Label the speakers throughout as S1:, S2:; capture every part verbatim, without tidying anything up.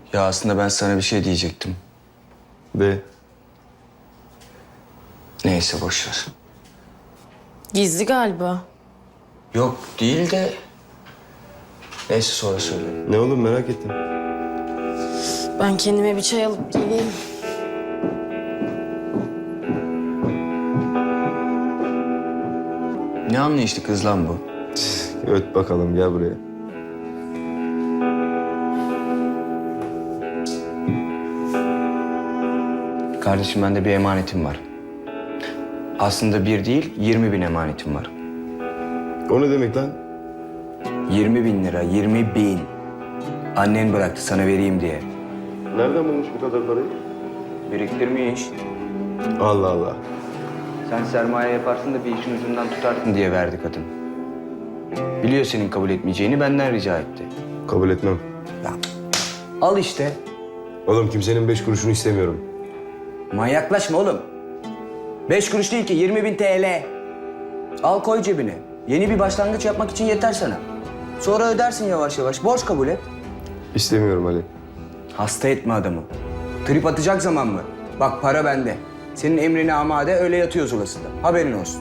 S1: Ya aslında ben sana bir şey diyecektim.
S2: De.
S1: Neyse boş ver.
S3: Gizli galiba.
S1: Yok değil de... Neyse sonra söyle.
S2: Ne oğlum merak ettim.
S3: Ben kendime bir çay alıp geleyim.
S1: Ne anlayışlı kız lan bu?
S2: Öt bakalım gel buraya.
S1: Kardeşim bende bir emanetim var. Aslında bir değil, yirmi bin emanetim var.
S2: O ne demek lan?
S1: Yirmi bin lira, yirmi bin. Annen bıraktı sana vereyim diye.
S2: Nereden bulmuş bu kadar parayı?
S1: Biriktirmiş.
S2: Allah Allah.
S1: Sen sermaye yaparsın da bir işin ucundan tutarsın diye verdi kadın. Biliyor senin kabul etmeyeceğini, benden rica etti.
S2: Kabul etmem.
S1: Ya, al işte.
S2: Oğlum kimsenin beş kuruşunu istemiyorum.
S1: Manyaklaşma oğlum. Beş kuruş değil ki, yirmi bin T L. Al koy cebine. Yeni bir başlangıç yapmak için yeter sana. Sonra ödersin yavaş yavaş. Borç kabul et.
S2: İstemiyorum Ali.
S1: Hasta etme adamı. Trip atacak zaman mı? Bak para bende. Senin emrine amade öyle yatıyor zulasında. Haberin olsun.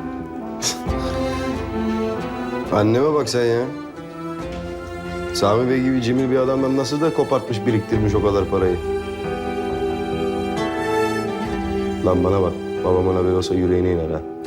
S2: Anneme bak sen ya. Sami Bey gibi cimri bir adamdan nasıl da kopartmış, biriktirmiş o kadar parayı. Lan bana bak, babamın haberi olsa yüreğine iner ha.